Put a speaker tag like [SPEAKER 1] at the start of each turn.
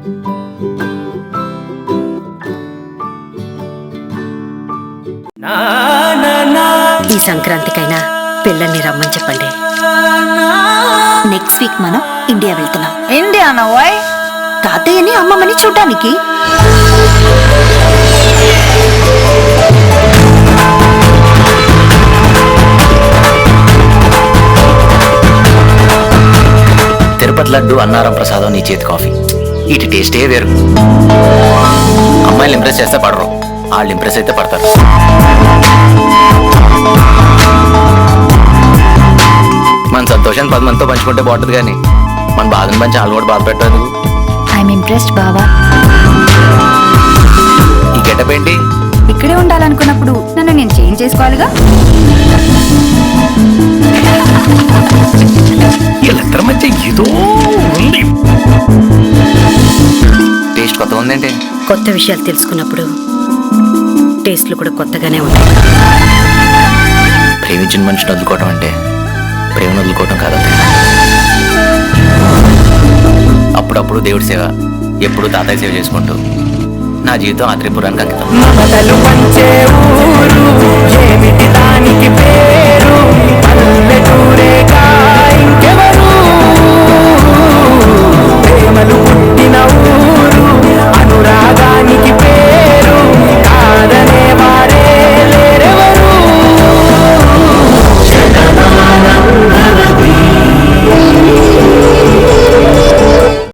[SPEAKER 1] ఈ సంక్రాంతికైనా పిల్లల్ని రమ్మని చెప్పండి.
[SPEAKER 2] నెక్స్ట్ వీక్ మనం ఇండియా వెళ్తున్నాం.
[SPEAKER 3] ఇండియానా? వై?
[SPEAKER 2] తాతయ్యని అమ్మమ్మని చూడ్డానికి.
[SPEAKER 4] తిరుపతి లడ్డు, అన్నారం ప్రసాదం, నీ చేతి కాఫీ, వీటి టేస్టే వేరు. అమ్మాయిలు ఇంప్రెస్ చేస్తే పడరు, వాళ్ళు ఇంప్రెస్ అయితే పడతారు. మన సంతోషాన్ని 10 మందితో పంచుకుంటే బాగుంటుంది, కానీ మన బాధను పంచి వాళ్ళు కూడా బాధ పెట్టదు.
[SPEAKER 2] ఐఎమ్ ఇంప్రెస్డ్ బావా.
[SPEAKER 4] ఈ గెటప్ ఏంటి?
[SPEAKER 3] ఇక్కడే ఉండాలనుకున్నప్పుడు నన్ను నేను చేంజ్ చేసుకోవాలిగా.
[SPEAKER 4] వీళ్ళిద్దరి మధ్య ఏదో ఉంది. టేస్ట్ కొత్తగా ఉందేంటి?
[SPEAKER 1] కొత్త విషయాలు తెలుసుకున్నప్పుడు టేస్ట్లు కూడా కొత్తగానే ఉంటాయి.
[SPEAKER 4] ప్రేమించిన మనిషిని వదులుకోవటం అంటే ప్రేమను వదులుకోవటం కాదు. అప్పుడప్పుడు దేవుడి సేవ, ఎప్పుడు తాతయ్య సేవ చేసుకుంటూ నా జీవితం ఆ త్రిపురానికి అంకితం.